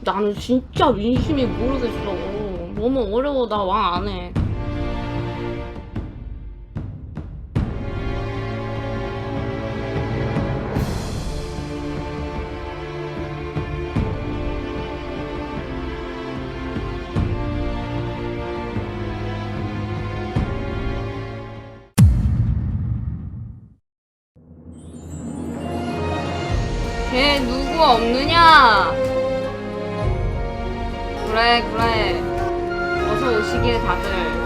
나는 진짜 민심이 모르겠어. 너무 어려워. 나 왕 안 해. 걔 누구 없느냐? 그래. 어서 오시길 다들.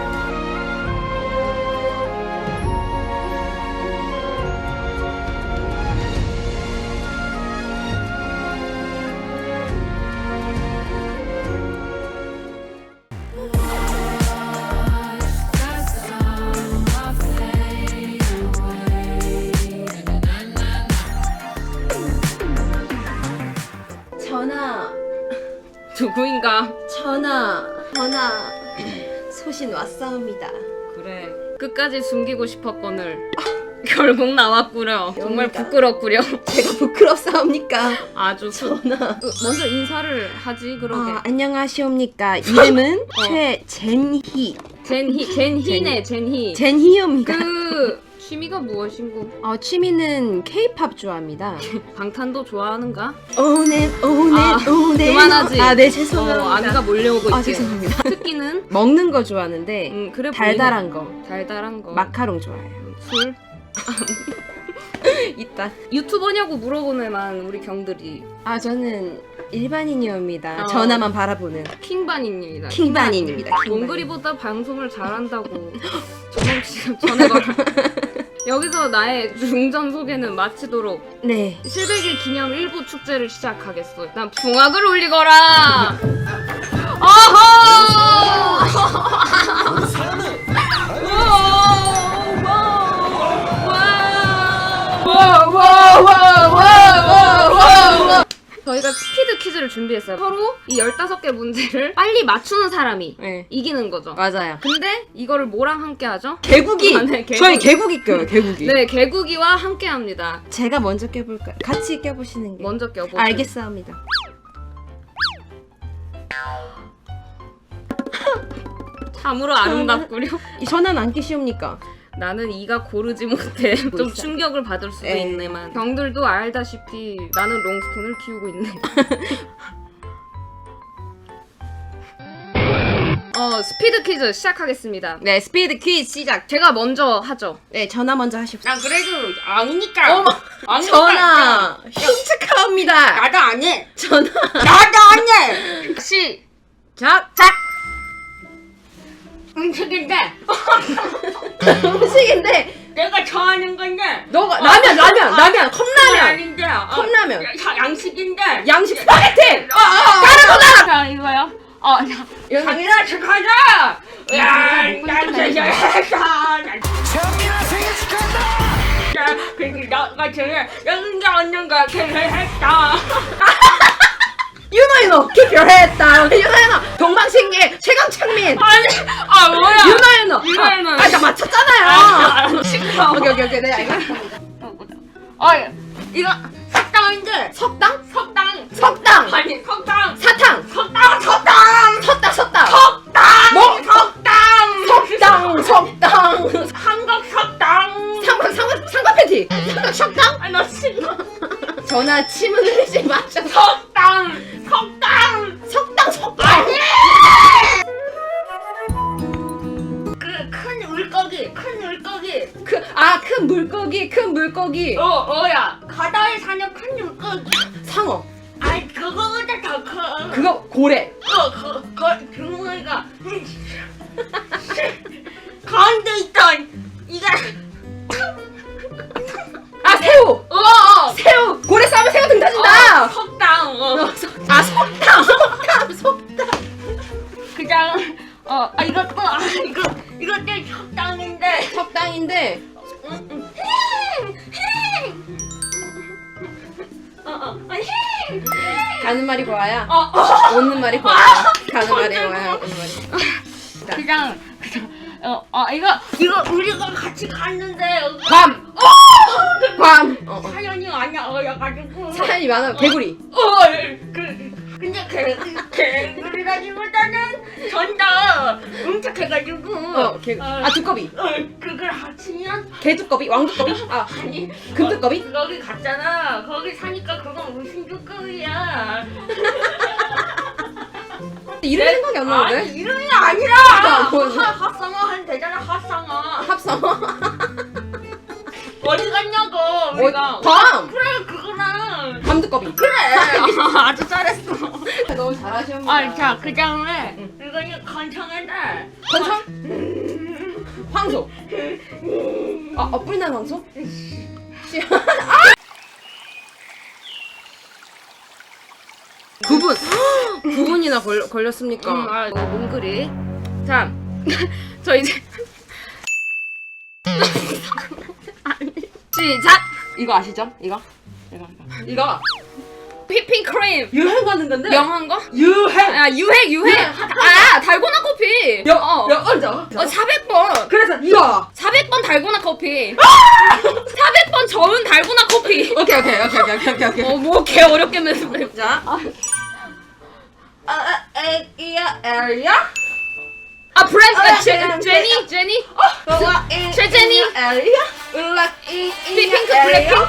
전하, 누구인가? 전하, 소신 왔사옵니다. 그래. 끝까지 숨기고 싶었거늘. 결국 나왔구려. 정말 뭡니까? 부끄럽구려. 제가 부끄럽사옵니까? 아주 전하. 먼저 인사를 하지 그러게. 안녕하시옵니까? 이름은 최젠희. 젠희네 젠희. 젠희입니다. 그 취미가 무엇인고? 취미는 K-팝 좋아합니다. 방탄도 좋아하는가? 오네. 그만하지. 네, 죄송합니다. 아내가 몰려오고 있지. 죄송합니다. 특기는? 먹는 거 좋아하는데 그래 달달한 거. 달달한 거. 마카롱 좋아해요. 술? 있다. 유튜버냐고 물어보네만 우리 경들이. 저는 일반인이옵니다. 어. 전화만 바라보는 킹반인입니다. 킹반인입니다. 원글이보다 방송을 잘한다고. 저는 지금 전해봐라. 여기서 나의 중전 소개는 마치도록 네. 700일 기념 일부 축제를 시작하겠어. 일단 붕악을 올리거라. 저희가 스피드 퀴즈를 준비했어요. 서로 이 15개 문제를 빨리 맞추는 사람이 네. 이기는 거죠. 맞아요. 근데 이거를 뭐랑 함께 하죠? 개구기. 네, 개구기. 저희 개구기 껴요. 개구기. 네, 개구기와 함께 합니다. 제가 먼저 껴볼까요? 같이 껴보시는 게. 먼저 껴보세요. 알겠사옵니다. 참으로 아름답구려. 이 전화는 안 끼시옵니까? 나는 이가 고르지 못해. 좀 충격을 받을 수도 에이. 있네만. 경들도 알다시피 나는 롱스톤을 키우고 있네. 스피드 퀴즈 시작하겠습니다. 네, 스피드 퀴즈 시작. 제가 먼저 하죠. 네, 전화 먼저 하십시오. 난 그래도 아니니까. 어머, 전화 흉측하옵니다. 나도 안 해. 전화. 나도 안 해. 시작. 음식인데 음식인데 내가 좋아하는 건데. 너가 라면 컵라면. 아닌데. 컵라면. 양식인데. 양식 스파게티. 까르보나. 자 이거요. 당연하 축하하자. 야, 난 진짜 정민아 생일 축하한다! 그리고 너가 제일 영자 언니가 결혼했다. 유노유노 기별했다. 유노유노 동방신기 최강창민. 아니, 뭐야? 유노유노. 나 맞췄잖아요. 시끄러워. 오케이. 네, 알겠습니다. 이거 석당인데. 석당? 석당. 아니, 석당. 사탕. 석당. 섰다. 뭐? 석당. 한국 석당. 삼각 팬티. 삼각 석당? 아니, 너 싫어. 전화 침을 흘리지 마셔. 석당. 석당. 그 큰 물고기. 큰 물고기. 야. 바다에 사는 큰 물고기. 상어. 아이, 그거보다 더 커. 그거 고래. 주머니가 가운데 있던 이게 새우. 새우. 고래 싸면 새우 등 터진다. 석당. 석당. 그냥 이것도 석당인데. 석당인데. 가는 말이 고와야. 오는 말이 고와야. 가는 말이 고와야. 오는 말이. 그냥 이거 우리가 같이 갔는데 괌. 사연이 많이 어여가지고 사연이 많아. 개구리. 근데 개구리라기보다는 전다 응축해가지고 두꺼비. 그걸 합치면 개두꺼비, 왕두꺼비, 아니 금두꺼비. 거기 갔잖아. 거기 사니까 그건 무슨 두꺼비야. 이름 생각이 안 아니 나는데? 이름이 아니라 합성어 하면 되잖아. 합성어 합성어. 어디 갔냐고 우리가 밤. 그래 그거랑 밤두꺼비. 그래 아주 잘했어. 너무 잘하시옵니다. 아자 그 다음에 이거는 건청한다. 건청? 황소. 뿔난 황소? 구분. 9분이나 걸렸습니까? 몽글이 자 저 이제 시작. 이거 아시죠? 이거. 휘핑크림 유행하는 건데. 영한 거? 유행. 아 유행 아 달고나 커피 몇 언제? 400번 그래서 이거. 400번 달고나 커피 400번 저은 달고나 커피 오케이. 뭐 개 어렵게 냈어. 자. 에리야. 아 브랜드 제니 최제니 에리야. 핑크 블랙핑크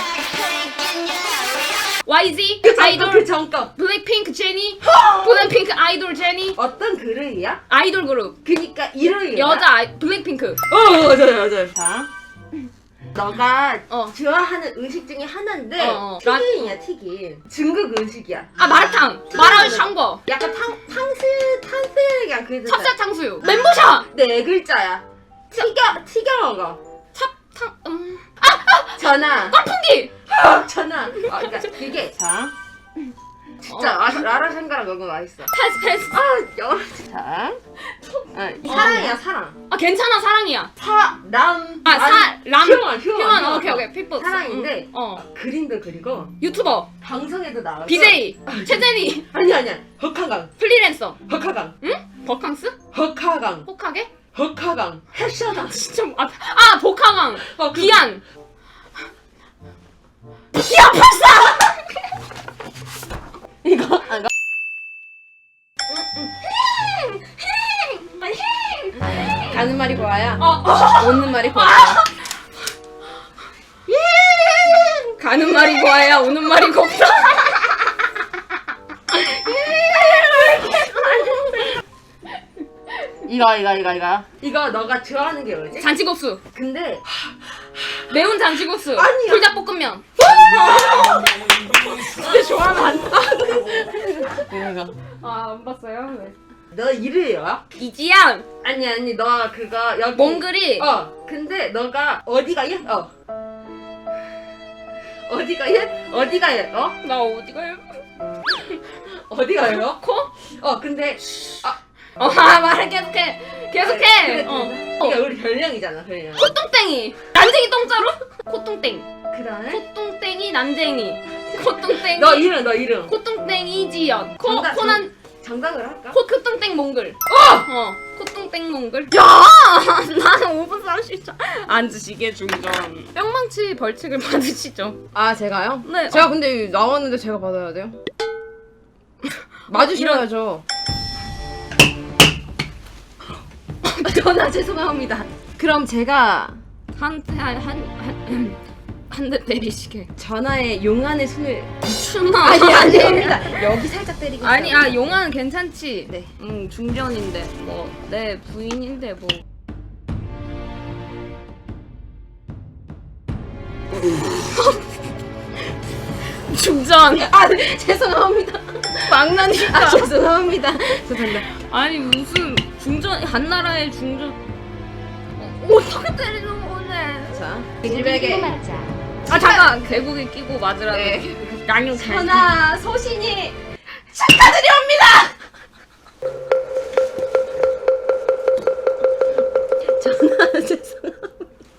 YZ 아이돌 그 정급. 블랙핑크 제니 블랙핑크 아이돌 제니 어떤 그릇이야? 아이돌 그룹 그니까 이름이 여자 블랙핑크 맞아요. 자. 너가 어. 좋아하는 음식 중에 하나인데 난- 튀김이야 튀김. 중국 음식이야. 아 마라탕 마라샹궈 약간 탕수 그냥 그 찹쌀 탕수육 멘보샤 네 글자야. 튀겨 먹어. 찹탕 전화. 깐풍기 전화. 그러니까 이게 자. 진짜 라라샹가랑 너무 맛있어. 패스 영어. 자. 사랑이야 사랑. 아 괜찮아 사랑이야 사람. 휴먼 오케이 피플 사랑인데 어 그림도 그리고 유튜버 방송에도 나와서 BJ 최제니 아니야 흑하강 프리랜서 흑하강 응? 버캉스? 흑하강 혹하게? 흑하강 패션왕. 진짜 복하강 그- 기안 기안 팔사 이거 가는 말이 고와야 오는 말이 고와야. 가는 말이 고와야 오는 말이 곱다 이거 너가 좋아하는 게 뭐지? 잔치국수 근데 매운 잔치국수 아니야. 불닭볶음면 근데 좋아하면 안 돼. 안 봤어요? 네. 너 이름이야? 이지양 아니 너 그거 여기 몽글이 근데 너가 어디가 옛? 어디가 옛? 어디가 옛? 나 어디가요? 어디가 옛? 코? 근데 말해 계속해 그래, 어. 이게 우리 별명이잖아 별명. 콧똥땡이 난쟁이 똥자루? 콧똥땡 그다음에 콧똥땡이 난쟁이 콧똥땡이 너 이름. 콧똥땡이 이지연 정답, 코난 정답을 할까? 콧똥땡 몽글 콧똥땡 몽글 야 나는 5분 30초 앉으시게 중전 뿅망치 벌칙을 받으시죠. 제가요? 네 제가 근데 나왔는데 제가 받아야 돼요? 맞으셔야죠. 전화 죄송합니다. 그럼 제가 한 대 때리시게 전화에 용안의 손을 추나 아닙니다. 여기 살짝 때리겠어요. 아니 용화는 괜찮지. 네. 중전인데 뭐 내 부인인데 뭐. 중전. 죄송합니다. 망나니까. 죄송합니다. 죄송합니다. 아니 무슨 중전 한나라의 중전. 어떻게 때리는 거네. 자, 기질백에 잠깐 개구리 끼고 맞으라고. 네. 양념 전화 소신이 축하드립니다. 전화 죄송합니다.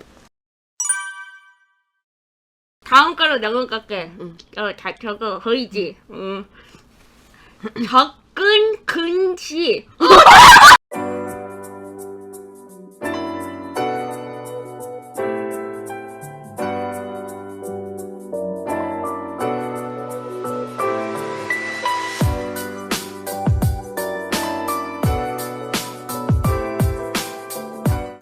다음 거로 내가 갈게. 저거 보이지? 접근 근시.